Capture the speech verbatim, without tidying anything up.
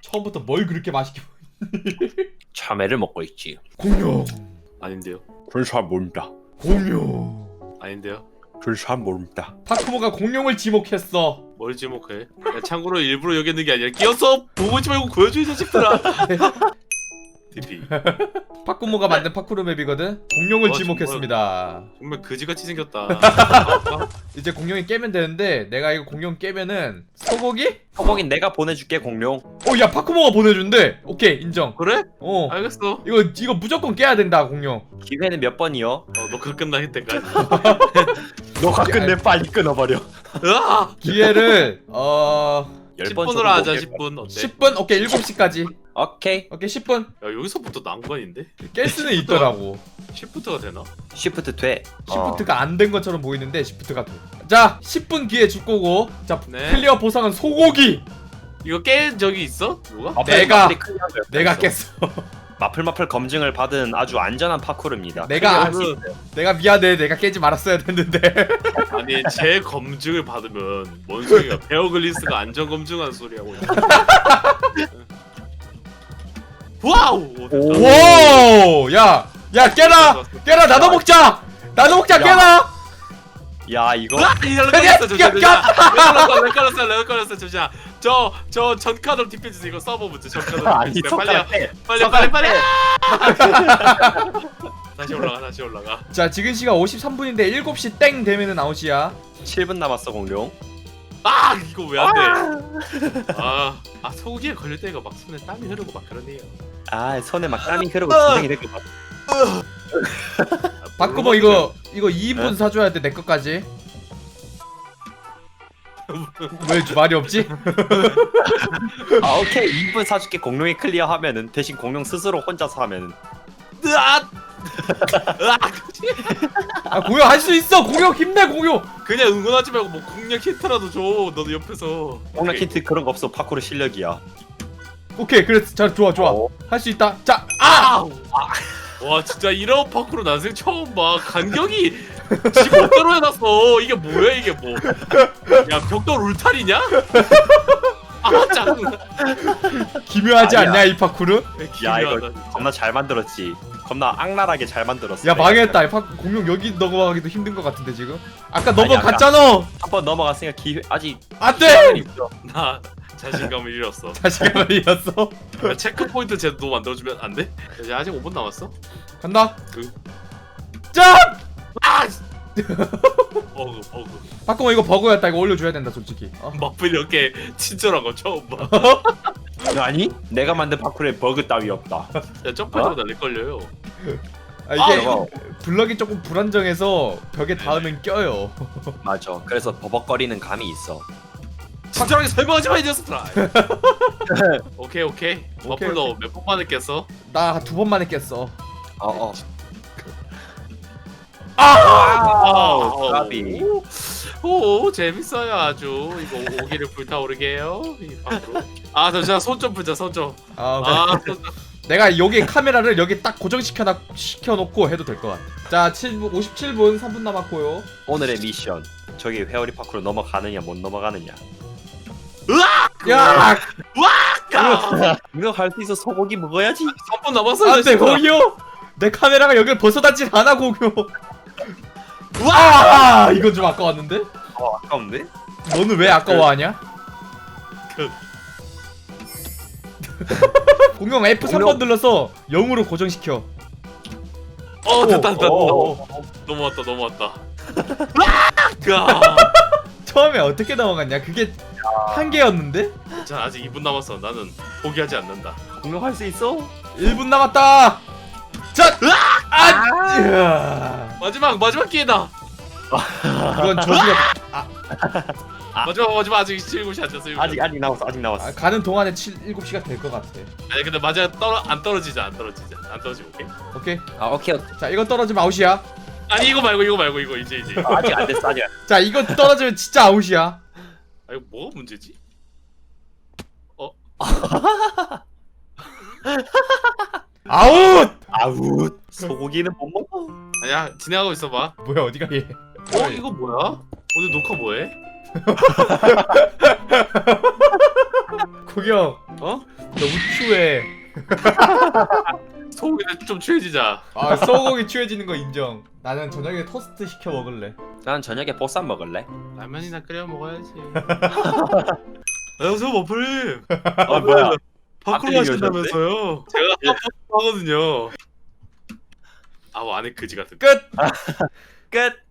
처음부터 뭘 그렇게 맛있게 참외를 먹고 있지. 공룡 아닌데요. 그걸 잘 모른다. 공룡 아닌데요. 그걸 잘 모른다. 파쿠모가 공룡을 지목했어. 뭘 지목해? 야, 참고로 일부러 여기 있는 게 아니라 끼어서 보고 있지 말고 보여줘 이 자식들아. 디피. 파쿠모가 만든 파쿠르 맵이거든. 공룡을 어, 지목했습니다. 정말 그지같이 생겼다. 이제 공룡이 깨면 되는데 내가 이거 공룡 깨면은 소고기? 소고긴 내가 보내줄게 공룡. 어, 야 파쿠모가 보내준대. 오케이 인정. 그래? 어. 알겠어. 이거 이거 무조건 깨야 된다 공룡. 기회는 몇 번이요? 어, 녹화 끝날 때까지. 너가 끝내 빨리 끊어버려. 으아! 기회를 어 열 번 십 분으로 하자. 십 분 어때? 십 분? 오케이 일곱 시까지. 오케이. 오케이 십 분. 야 여기서부터 난관인데? 깰 수는 있더라고. 시프트가 되나? 시프트 돼. 시프트가 안 된 것처럼 보이는데 시프트가 돼. 자, 십 분 기회 줄 거고. 자, 네. 클리어 보상은 소고기. 이거 깬 적이 있어? 누가? 마플, 내가- 마플이 클리어한 거 내가 없어. 깼어. 마플 마플 검증을 받은 아주 안전한 파쿠르입니다. 내가 클리어할 수 그- 있어요. 내가 미안해. 내가 깨지 말았어야 됐는데. 아니 제 검증을 받으면 뭔 소리야? 베어글리스가 안전 검증한 소리 하고 있네. 와우! 오. 오! 야, 야 깨라. 깨라. 나도 먹자. 나도 먹자. 야. 깨라. 야 이거 아! 이걸로 야, 걸렸어 잠시만. 야, 잠시만. 렉 걸렸어 렉 걸렸어 잠시만. 저저 전카드 디펜스 이거 서버 문제 전카드 아니 디펜스 빨리 손가락 떼. 빨리 손가락 빨리 빨리. 떼. 다시 올라가 다시 올라가. 자, 지금 시간 오십삼 분인데 일곱 시 땡 되면은 아웃이야. 칠 분 남았어 공룡. 아 이거 왜 안 돼? 아, 아 소고기에 걸릴 때가 막 손에 땀이 흐르고 막 그러네요. 아 손에 막 땀이 흐르고 진정이 되고 막. 바꾸모 이거 이거 이 인분 사줘야 돼 내 것까지. 왜 말이 없지? 아 오케이 이 분 사줄게. 공룡이 클리어하면은 대신 공룡 스스로 혼자서 하면은. 으아! 아 공룡 할 수 있어. 공룡 힘내 공룡. 그냥 응원하지 말고 뭐 공략 힌트라도 줘. 너도 옆에서. 공룡 힌트 그런 거 없어. 파쿠르 실력이야. 오케이 그래 자 좋아 좋아 어. 할 수 있다. 자 아! 아! 와 진짜 이런 파크로 난생 처음 봐. 간격이 지 멋대로 해놨어. 이게 뭐야 이게 뭐? 야 벽돌 울타리냐? 아 짜증나. 기묘하지 아니야. 않냐 이 파쿠르? 야 이거 기묘하다, 진짜. 겁나 잘 만들었지. 겁나 악랄하게 잘 만들었어. 야 망했다. 이 파, 공룡 여기 넘어가기도 힘든 것 같은데 지금. 아까 아니, 넘어갔잖아. 한번 넘어갔으니까 기회 아직 안돼. 나 자신감을 잃었어. 자신감을 잃었어. 야, 체크 포인트 제도 만들어주면 안 돼? 이제 아직 오 분 남았어. 간다. 그- 짠! 아! 버그 버그. 바꾸면 이거 버그였다. 이거 올려줘야 된다 솔직히. 어? 마플 이렇게 친절한 거 처음 봐. 아니 내가 만든 파쿠르에 버그 따위 없다. 야 점프할 때마다 렉 걸려요. 아, 이게 아, 블럭이 조금 불안정해서 벽에 닿으면 껴요. 맞아. 그래서 버벅거리는 감이 있어. 친절하게 설명하지 마 이 녀석들아. 오케이 오케이. 마플 오케이. 너 몇 번 만에 깼어? 나 두 번 만에 깼어. 어어. 아, 까비. 오, 오 재밌어요 아주. 이거 오기를 불타오르게 해요. 이 방으로. 아 잠시만 손 좀 풀자 손 좀. 아, 아, 손 좀. 내가 여기 카메라를 여기 딱 고정시켜 놔 시켜놓고 해도 될 것 같아. 자, 칠 분, 오십칠 분 삼 분 남았고요. 오늘의 미션. 저기 회오리 파쿠르 넘어가느냐 못 넘어가느냐. 야, 아, 이거 할 수 있어. 소고기 먹어야지. 삼 분 남았어. 안돼 공유. 내 카메라가 여기를 벗어나질 않아 공유. 와, 이건 좀 아까웠는데? 어 아까운데? 너는 왜 아까워하냐? 그. 공룡 에프 삼 번 눌러서 영으로 고정시켜. 어 됐다 됐다. 오, 오, 넘어왔다 넘어왔다. 아, 처음에 어떻게 넘어갔냐? 그게 한 개였는데? 자 아직 이 분 남았어. 나는 포기하지 않는다. 공룡 할 수 있어? 일 분 남았다. 자, 아, 이야. 마지막 마지막 기회다. 이건 저기가 아. 마지막 마지막 아직 일곱 시 안 됐어. 일곱 시. 아직 아직 남았어. 아직 남았어. 아, 가는 동안에 칠, 일곱 시가 될 것 같아. 아니 근데 마지막 떨어 안 떨어지자 안 떨어지자 안 떨어지면 오케이. 오케이. 아 오케이. 자, 이건 떨어지면 아웃이야. 아니 이거 말고 이거 말고 이거 이제 이제. 아, 아직 안 됐어. 아직. 안 됐어. 자, 이거 떨어지면 진짜 아웃이야. 아 이거 뭐가 문제지? 어? 아웃! 아우 소고기는 못 먹어. 아니야 진행하고 있어봐. 뭐야, 어디가 얘? 어 이거 뭐야? 오늘 녹화 뭐해? 구경. 어? 너무 추해. 소고기는 좀 취해지자. 아 소고기 추해지는 거 인정. 나는 저녁에 토스트 시켜 먹을래. 난 저녁에 보쌈 먹을래. 라면이나 끓여 먹어야지. 안녕하세요 머플님. 어 뭐야? 파크로 앞에 하신다면서요? 제가 하거든요. 아우 안에 그지 같은. 끝. 끝.